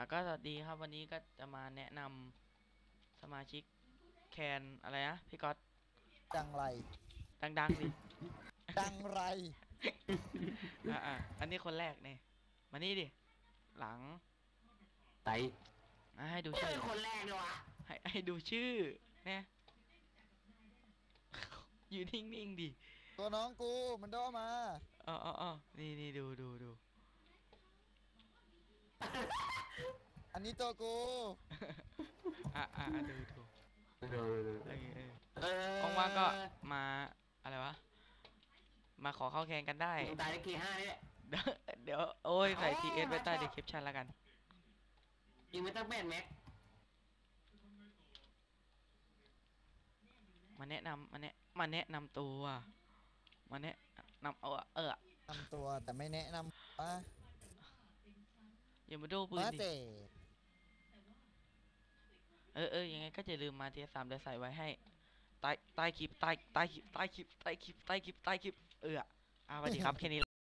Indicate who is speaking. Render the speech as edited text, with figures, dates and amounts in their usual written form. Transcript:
Speaker 1: ก็สวัสดีครับวันนี้ก็จะมาแนะนำสมาชิกแคนอะไรนะพี่ก๊อต
Speaker 2: จังไร
Speaker 1: ดังๆดิ
Speaker 2: จังไร
Speaker 1: อันนี้คนแรกเนี่ยมานี่ดิหลัง
Speaker 3: ไต
Speaker 1: ให้ดู
Speaker 3: ไม่
Speaker 1: ชื่อ
Speaker 3: เป็นคนแรกเลยวะ
Speaker 1: ให้ดูชื่อเนี่ย อยู่นิ่งๆดิ
Speaker 2: ตัวน้องกูมันโดมา
Speaker 1: อ๋อนี่ดู
Speaker 2: อันนี้ตัวกู
Speaker 1: ดู
Speaker 3: ดูเอ
Speaker 1: ว่างๆก็มาอะไรวะมาขอเข้าแข่งกันได้
Speaker 3: ตายได้กี่ห้าเนี่ย
Speaker 1: เดี๋ยวโอ้ยใส่ TS ไว้ใต้ description แล้วกัน
Speaker 3: ยิงไม่ต้องแบนแม็ก
Speaker 1: มาแนะนำมาแนะนำตัวมาแนะนำ
Speaker 2: นำตัวแต่ไม่แนะนำว่า
Speaker 1: อย่ามาดูปืน
Speaker 2: มา
Speaker 1: ดิ
Speaker 2: เต
Speaker 1: ยังไงก็อย่าลืมมาTS3เดี๋ยวใส่ไว้ให้ใต้คลิปสวัสดีครับแค่นี้